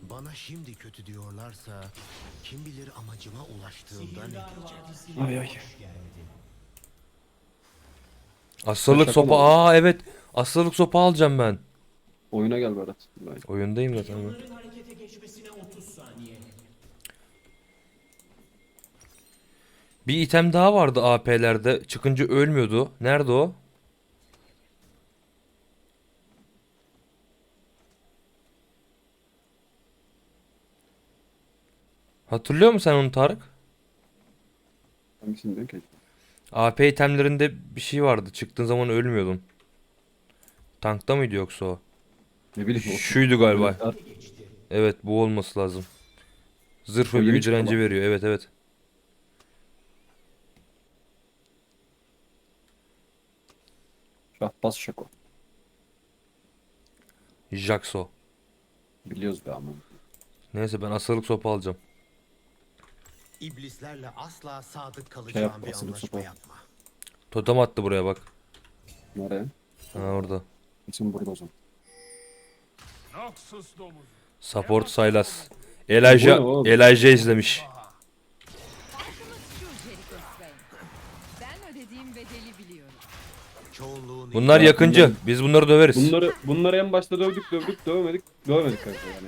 Bana şimdi kötü diyorlarsa kim bilir amacıma ulaştığımda ne diyecek. Ay ay. Asırlık Şaka sopa. mı oldu? Aa evet. Asırlık sopa alacağım ben. Oyuna gel Berat. Oyundayım zaten ben. Bir item daha vardı AP'lerde. Çıkınca ölmüyordu. Nerede o? Hatırlıyor musun sen onu Tarık? Hangisini diyorsun ki? AP itemlerinde bir şey vardı. Çıktığın zaman ölmüyordun. Tankta mıydı yoksa o? Ne bileyim o. Şuydu galiba. Böyle- Evet bu olması lazım. Zırh O ve yeni büyü çıktı direnci bak. veriyor. Evet evet. Şahbaz Şako. Jaxo. Biliyoruz be ama. Neyse ben asırlık sopa alacağım. İblislerle asla sadık kalacağım yap, bir asılı anlaşma sopa. yapma. Totem attı buraya bak. Nereye? Ha orada. Kesin burada o zaman. Noxus domuzu. Support Sylas. Bu ne Elijah, oğlum? Elijah izlemiş. Farkımız şu Jericho Swain. Ben ödediğim bedeli biliyorum. Çoğunluğun Bunlar Ya yakıncı. bunların- Biz bunları döveriz. Bunları en başta dövdük dövemedik kanka yani.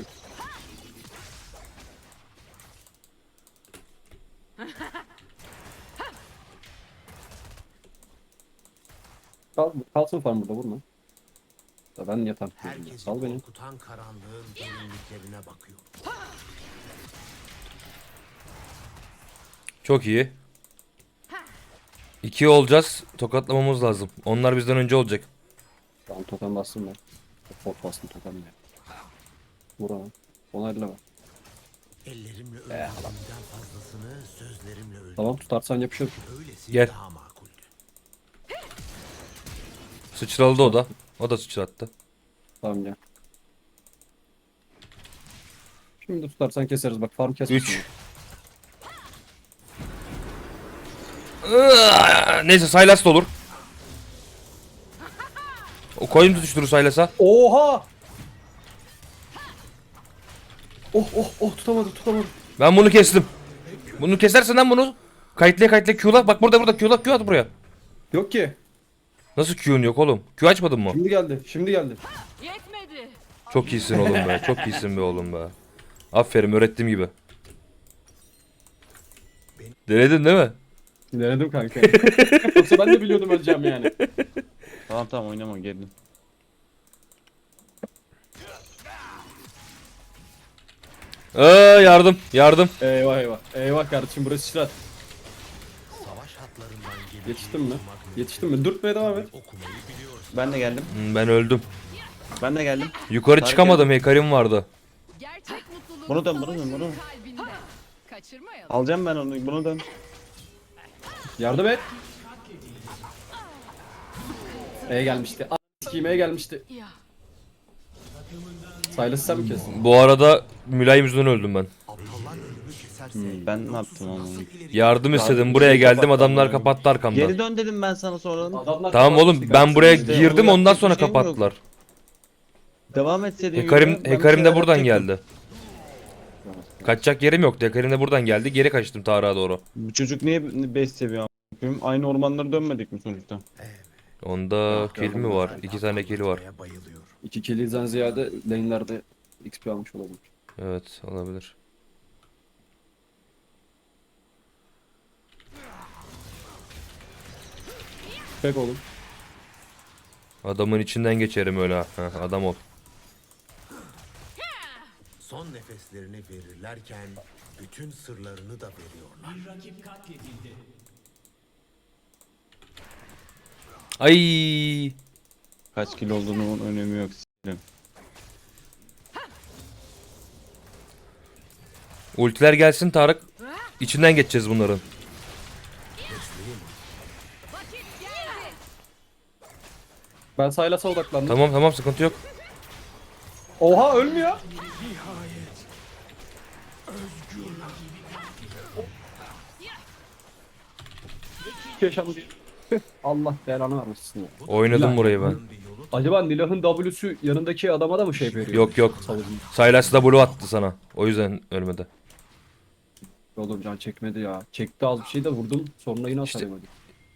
Kalsın farm burada vurma. Da ben yatan. herkesi Sal beni. korkutan karanlığın derinliklerine bakıyor. Çok iyi. 2 olacağız. Tokatlamamız lazım. Onlar bizden önce olacak. Tamam totem bastım ben. Pot bastım totem ya. Vur ona. Ona elle bak. Ellerimle öldürdüğümden fazlasını sözlerimle öldürdüm. Tamam tutarsan yapışır. Öylesi Gel. daha makuldü. Sıçraladı o da. O da sıçrattı. Tamam gel. Şimdi tutarsan keseriz bak farm kesmesin. 3. Neyse Sylas da olur. O koyun tutuşturur Sylas'a. Oha! Oh tutamadım. Ben bunu kestim. Bunu kesersen lan bunu. Kayıtlıya Q'la. Bak burada Q'la Q at buraya. Yok ki. Nasıl Q'un yok oğlum? Q açmadın mı? Şimdi geldi. Yetmedi. Çok iyisin oğlum be. Çok iyisin be oğlum be. Aferin öğrettiğim gibi. Denedin değil mi? Denedim kanka. Yoksa ben de biliyordum öleceğim yani. Tamam oynama geldim. Yardım. Eyvah kardeşim burası sıçrat. Savaş hatlarından gelip Yetiştin mi? Dürtmeye devam et. okumayı biliyorsun. Ben de geldim. Ben öldüm. Ben de geldim. Yukarı Tarık çıkamadım. Hekarim vardı. Gerçek mutluluk Bunu dön, savaşın bunu. kalbinde. Kaçırmayalım. Alacağım ben onu. Bunu dön. Yardım et. Gelmişti. A***** gelmişti. Ya. Silas'ı sen mi kestin? Bu arada mülayim yüzünden öldüm ben. Aptallar ölümü keserse Ben ne yaptım onu? Yardım istedim. Buraya geldim. Adamlar kapattı arkamdan. Geri dön dedim ben sana sonra. Tamam oğlum ben buraya İşte girdim onu ondan yapacak sonra bir şeyim yok. kapattılar. Devam etseydin. Hekarim de buradan geldi. Kaçacak yerim yoktu. Hekarim de buradan geldi. Geri kaçtım Tarık'a doğru. Bu çocuk niye 5 seviye a**ayım? Aynı ormanlara dönmedik mi sonuçta? Onda kill mi var? 2 tane kill var. Atmaya bayılıyor. 2 kill'den ziyade lane'lerde XP almış olabilir. Evet olabilir. Pek oğlum. Adamın içinden geçerim öyle ha. Heh, adam ol. Son nefeslerini verirlerken bütün sırlarını da veriyorlar. Ay. Kaç kilo olduğunun önemi yok. s**erim. Ultiler gelsin Tarık. İçinden geçeceğiz bunların. Vakit geldi. Ben Silas'a odaklandım. Tamam sıkıntı yok. Oha ölmüyor. Yaşandı. Allah belanı vermesin ya. Oynadım burayı ben. Bir yolu Acaba Nilah'ın W'su yanındaki adama da mı şey veriyor? Yok yok. Savucum. Sylas W attı sana. O yüzden ölmedi. Oğlum can çekmedi ya. Çekti az bir şey de vurdum. Sonra yine İşte- atamadım.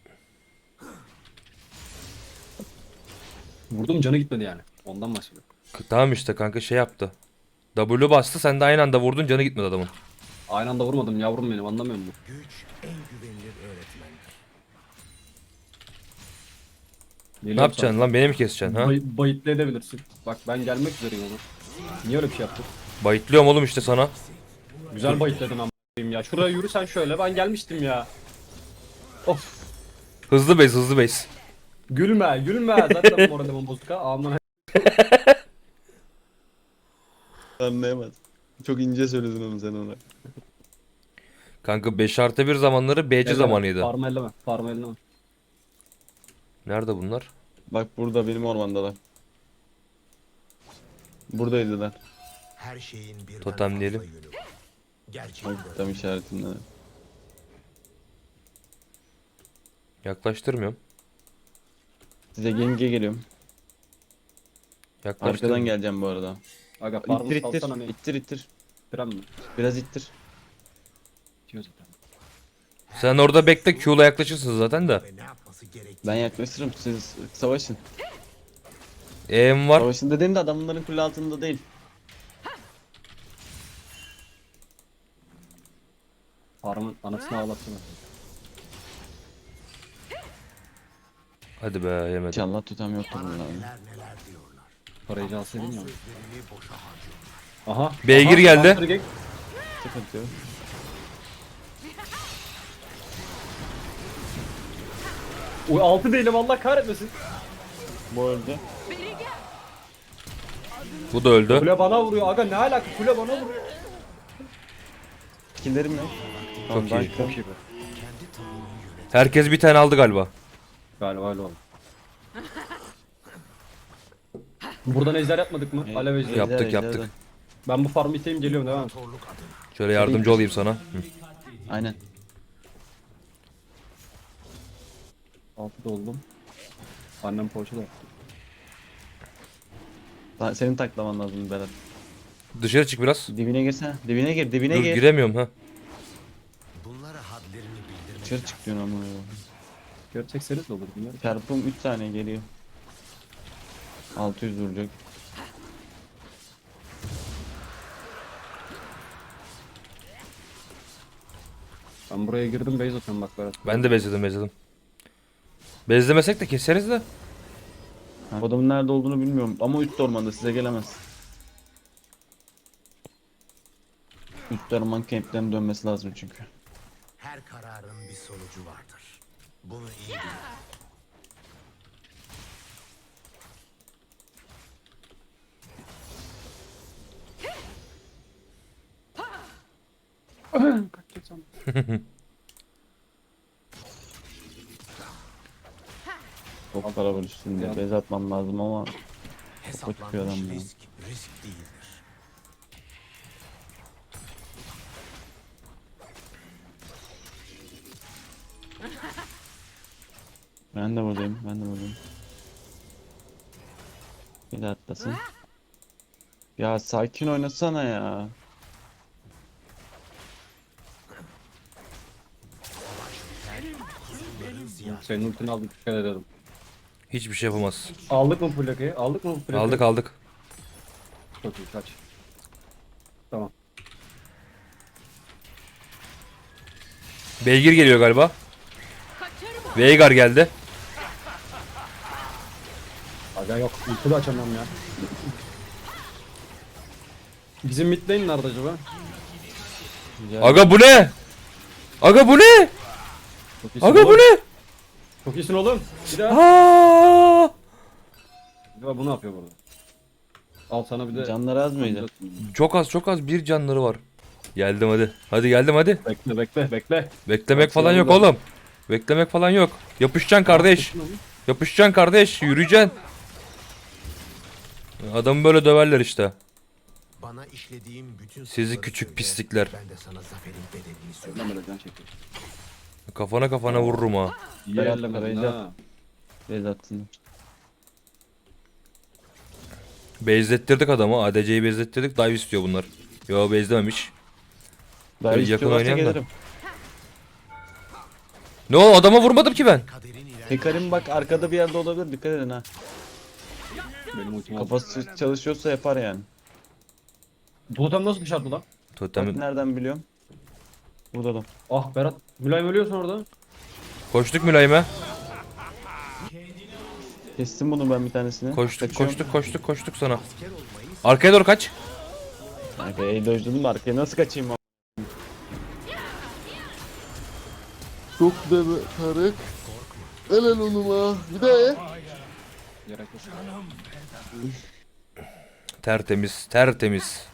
Vurdum canı gitmedi yani. Ondan bahsediyorum. Tamam işte kanka şey yaptı. W bastı, sen de aynı anda vurdun, canı gitmedi adamın. Aynı anda vurmadım yavrum benim, anlamıyor musun? Güç en güvenilir öğretmendir. Ne yapacaksın lan, beni mi keseceksin ha? Bayıtlı edebilirsin. Bak ben gelmek üzereyim onu. Niye öyle bir şey yaptın? Bayıtlıyorum oğlum işte sana. Güzel bayıtladın ama ya. Şuraya yürü sen şöyle, ben gelmiştim ya. Of. Hızlı base, hızlı base. Gülme gülme. Zaten moralim bozuk ha. Aman. Anlayamaz. Çok ince söyledin onu sen ona. Kanka 5+1 zamanları BC zamanıydı. Parma elleme. Parma elleme. Nerede bunlar? Bak burada benim ormandalar. Buradaydılar. Her şeyin birden Totemleyelim. fazla yönü var. Gerçek Bak tam işaretinde. Yaklaştırmıyorum. Size genge geliyorum. Arkadan Yaklaştırmıyorum. geleceğim bu arada. Aga parma İttir salsana ittir. ne? İttir ittir. Fren mi? Biraz ittir. İtiyor zaten. Sen orada bekle, Q'la yaklaşırsın zaten de. ve ne yapması gerektiğini Ben yaklaşırım, siz savaşın. E'm var. Savaşın dediğimde adamların kule altında değil. Parmağın anasını ağlatsana. Hadi be, yemedim. İnşallah tutam yoktur bunların. neler neler diyorlar. Parayı can alsaydın ya. Sözlerini boşa harcıyorlar. Aha. Beygir aha, geldi. Hunter Gang. Sıkıntı yok. Uy 6 değilim Allah kahretmesin. Bu öldü. Bu da öldü. Kule bana vuruyor aga, ne alaka, kule bana vuruyor. Skillerim yok. Çok iyi. Çok iyi be. Herkes bir tane aldı galiba. Galiba öyle oldu. Buradan ejder yapmadık mı? Alev ejder. Yaptık, Ejder, yaptık. ejder. Ben bu farmı iteyim geliyorum devam. Torluk adına. Şöyle yardımcı olayım sana. Hı. Aynen. 6'da oldum. Annem poğaça da yaptı. Senin taklaman lazım Berat. Dışarı çık biraz. Dibine girsene. Dibine gir, dibine Dur, gir. giremiyorum ha. Bunlara hadlerini bildirmek Dışarı çık diyorsun ama. Görecekseniz de olur bilmiyorum. Çarpım 3 saniye geliyor. 600 vuracak. Ben buraya girdim base atıyorum bak Berat. Ben de bezledim. Bezlemesek de keseriz de. O adamın nerede olduğunu bilmiyorum ama üst ormanda size gelemez. Üst orman kemplerine dönmesi lazım çünkü. her kararın bir sonucu vardır. Bunu iyi bil. Çok para var üstünde. Bez atmam lazım ama çıkıyor adam Hesaplanmış ya. risk değildir. ben de buradayım. Bir de atlasın. Ya sakin oynasana ya. Senin ultini aldık, dikkat edelim. Hiçbir şey yapamaz. Aldık mı plakayı? Aldık mı plakayı? Aldık. Çok iyi, kaç. Tamam. Beygir geliyor galiba. Veigar geldi. Aga yok, ulti de açamam ya. Bizim mid lane nerede acaba? Aga bu ne? Aga bu ne? Çok iyisin Aga bu oğlum. ne? Çok iyisin oğlum. Bir daha. Aa! Acaba bu ne yapıyor burada? Al sana bir de. Canları az mıydı? Çok az bir canları var. Geldim hadi. Hadi geldim hadi. Bekle. Beklemek Bak, falan sen yok burada. oğlum. Beklemek falan yok. Yapışacaksın kardeş. Yapışacaksın kardeş. Yürüyeceksin. Adamı böyle döverler işte. Bana işlediğim bütün Sizi suçları küçük söyle. pislikler. Ben de sana zaferin bedelini Öyle söyleyeyim. böyle can çekiyor. Kafana vururum ha. İyi Berat, ellemedin Karayca. ha. Bez atsın. Bezlettirdik adamı. ADC'yi bezlettirdik. Dive istiyor bunlar. Yo bezlememiş. Daha Yakın istiyorlarsa oynayan da. gelirim. Ne o adama vurmadım ki ben. Kaderin ilerleyişi Hekarim bak arkada bir yerde olabilir, dikkat edin ha. Benim ultim aldı. Kafası çalışıyorsa yapar yani. Totem nasıl dışarıda lan? Bak Totemin. nereden biliyorum. Burada da. Ah Berat. Mülayim ölüyorsun orada. Koştuk mülayime. Kestim bunu ben bir tanesini. Koştuk sana. Arkaya doğru kaç. Kanka iyi dojladım da arkaya nasıl kaçayım ama. Çok da be Tarık. Helal onuma. Bir daha ye. Gerek yok. Tertemiz.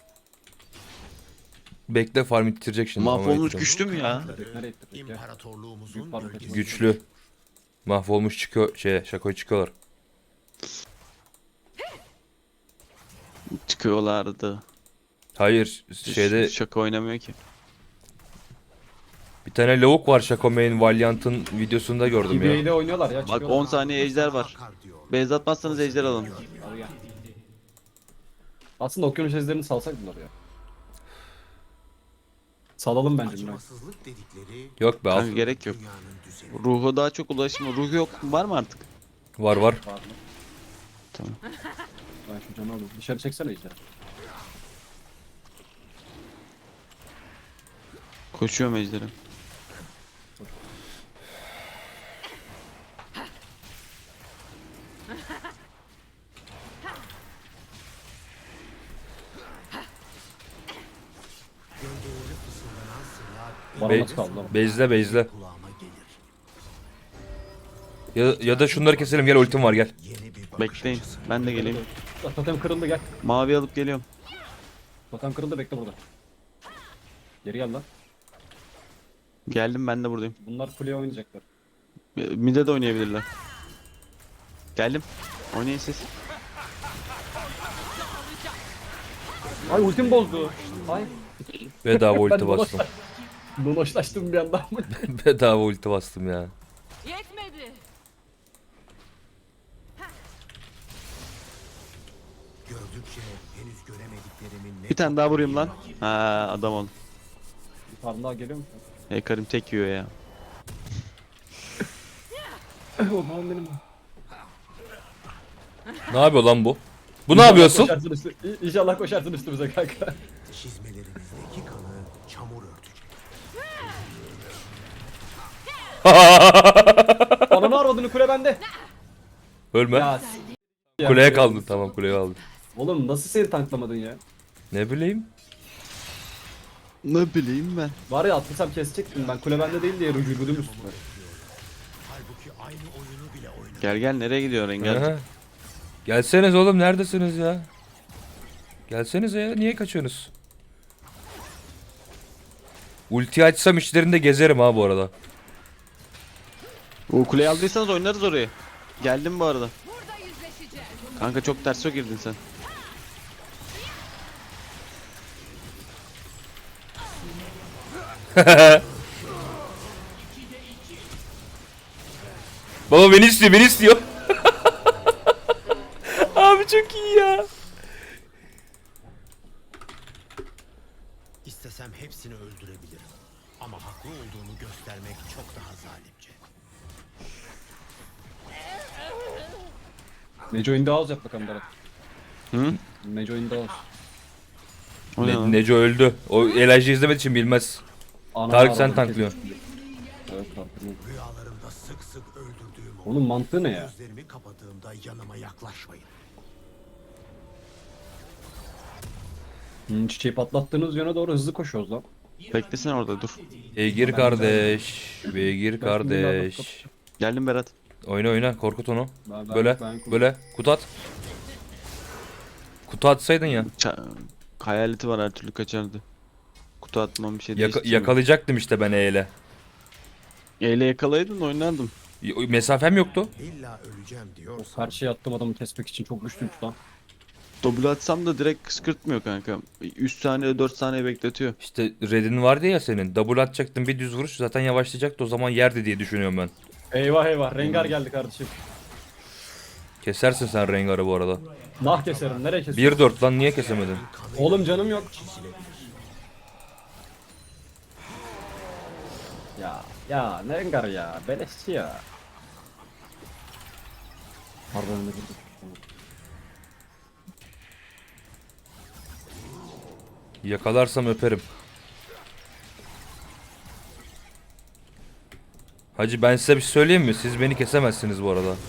Bekle farm ittirecek şimdi. Mahvolmuş Ama ittiremem. güçlü mü ya? Nereye gittik ya? imparatorluğumuzun Büyük parmak bölgesi. Güçlü. Mahvolmuş çıkıyor Şako'ya çıkıyorlar. Çıkıyorlardı. Hayır şeyde Şaka oynamıyor ki. bir tane lavuk var Şako Main Valiant'ın videosunda gördüm ya. TBA'de oynuyorlar ya. Bak çıkıyorlar. 10 saniye ejder var. Akar diyor. Beyz atmazsanız ejder alın. Al gel. Aslında okyanus ejderini salsak bunlar ya. Salalım bence Mülayim. Acımasızlık dedikleri Yok be al. Kanka gerek yok. dünyanın düzeni. Ruhu daha çok ulaşma. Ruhu yok. Var mı artık? Var. Var mı? Tamam. Ben şu canı alayım. Dışarı çeksene ejder. Koşuyorum ejderi. Gölgeleri fısıldanan sırlar Bana Be- nasıl kaldı lan? Bezle. kulağıma gelir. Ya da şunları keselim gel ultim var gel. Yeni bir bakış Bekleyin. açısı. Ben de geleyim. Ah, totem kırıldı gel. Mavi alıp geliyorum. Totem kırıldı bekle burada. Geri gel lan. Geldim, ben de buradayım. Bunlar kuleye oynayacaklar. Mid'e de oynayabilirler. Geldim. Oynayın siz. Ay ultim bozdu. Ay. Bedava ulti Ben bastım. Dolaşlaştım bir anda. Bedava ulti bastım ya. Yetmedi. Gördükçe henüz göremediklerimin ne Bir tane daha vurayım lan. Ha adam ol. Bir tane daha geliyor mu? Hekarim tek yiyor ya. O zaman benim. Ne yapıyor lan bu? Bu ne yapıyorsun? Koşarsın İnşallah koşarsın üstümüze kanka. çizmelerinizdeki kanı çamur örtecek. Ananı arvadını kule bende. Ölme. Ya Kuleye kaldın tamam kuleye aldın. oğlum nasıl seni tanklamadın ya? Ne bileyim. Ne bileyim ben. Var ya atlasam kesecektim ben kule bende değil diye rücudum üstüme. Halbuki aynı oyunu bile oynadı. Gel nereye gidiyor Engel? Aha. Gelseniz oğlum neredesiniz ya? Gelsenize ya niye kaçıyorsunuz? Ulti açsam içlerinde gezerim ha bu arada. O kuleyi aldıysanız oynarız orayı. Geldim bu arada. Burada yüzleşeceğiz. Kanka çok ters girdin sen. Baba beni istiyor. Abi çok iyi ya. İstesem hepsini öldürebilirim. Ama haklı olduğumu göstermek çok daha zalimce. Neco in the house yap bakalım Berat. Hı? Neco in the house. O ne lan? Neco öldü. O Elijah izlemediği için bilmez. Ananı Tarık sen arvadını tanklıyorsun. kesmiş. Evet tanklıyor. Rüyalarımda sık sık öldürdüğüm o Onun mantığı ne ya? gözlerimi kapadığımda yanıma yaklaşmayın. Çiçeği patlattığınız yöne doğru hızlı koşuyoruz lan. Beklesene orada dur. Beygir kardeş. Beygir kardeş. Geldim Berat. Oyna korkut onu. Ben- Böyle ben- böyle kutu at. Kutu atsaydın ya. Hayaleti var, her türlü kaçardı. Kutu atmam bir şey değiştirmiyor. Yakalayacaktım işte ben E'yle. Eyle yakalaydın oynardım. Mesafem yoktu. İlla öleceğim O diyorsan karşıya attım adamı kesmek için çok güçlüymüş lan. Double atsam da direkt kıskırtmıyor kanka. 3 saniye 4 saniye bekletiyor. İşte red'in vardı ya senin. Double atacaktın bir düz vuruş zaten yavaşlayacaktı o zaman yerdi diye düşünüyorum ben. Eyvah eyvah Rengar geldi kardeşim. Kesersin sen Rengar'ı bu arada. Nah keserim. Nereye keserim? 1-4 lan niye kesemedin? Oğlum canım yok. Ya ne Rengar ya. Beleşçi ya. Pardon ne dedim? Yakalarsam öperim. Hacı ben size bir şey söyleyeyim mi? Siz beni kesemezsiniz bu arada.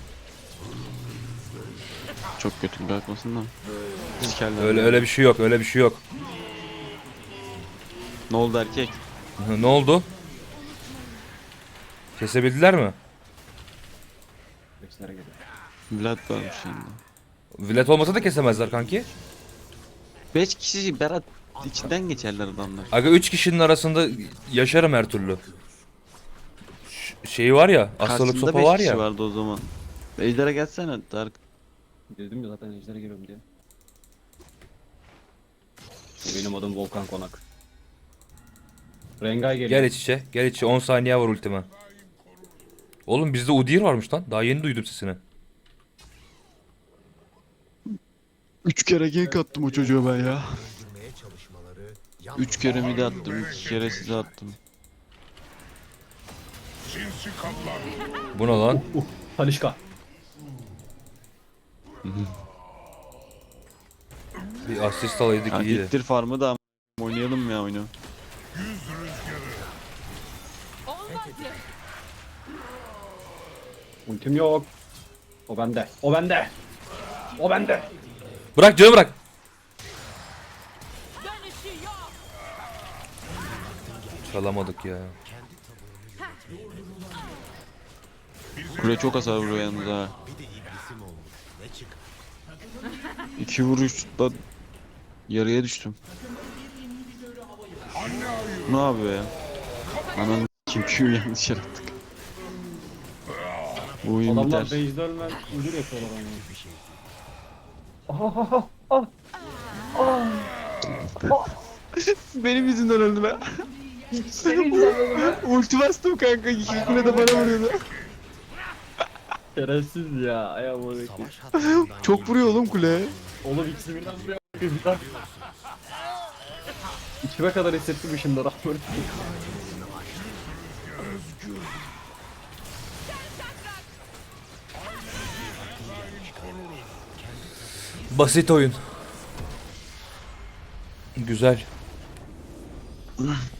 Çok kötü bırakmasın da. Sikerler. Öyle bir şey yok, öyle bir şey yok. Ne oldu erkek? Ne oldu? Kesebildiler mi? Bekçilere geliyor. Vlad varmış yanında. Vilet olmasa da kesemezler kanki. 5 kişi Berat içinden geçerler adamlar. Aga 3 kişinin arasında yaşarım her türlü. Şeyi var ya, hastalık Karşısında sopa 5 var kişi ya. vardı o zaman. Ejder'e gelsene Tarık. Dedim ya zaten ejdere geliyorum diye. Benim adım Volkan Konak. Rengay geliyor. Gel iç içe, gel iç içe. 10 saniye var ultime. Oğlum bizde Udyr varmış lan. Daha yeni duydum sesini. 3 kere gank attım o çocuğa ben ya. Öldürmeye çalışmaları 3 kere mide attım, 2 kere size attım. Bu ne lan? Talişka. Bir asist alaydık Ya iyiydi. gittir farmı da oynayalım ya oyunu. Olmadı. Ultim yok. O bende. O bende. O bende. Bırak canı bırak. Dönüşü yok. Çalamadık ya. Kule çok hasar vuruyor yalnız ha. bir de iblisim olmuş. Ne çıkar? 2 vuruşla yarıya düştüm. Ne yapıyor ya? Ananı kim Q yanlış yarattık. Bu oyun Adamlar biter. base'de ölmem. Müdür yapıyorlar onu. Benim yüzümden öldü be. Ulti bastım kanka. İki kule de bana vuruyordu. Şerefsiz ya. Ay aman ekip. Savaş hattından Çok vuruyor oğlum kule. Oğlum ikisi birden buraya bakıyor. İçime kadar hissettim şimdi rahmet. Basit oyun. Güzel.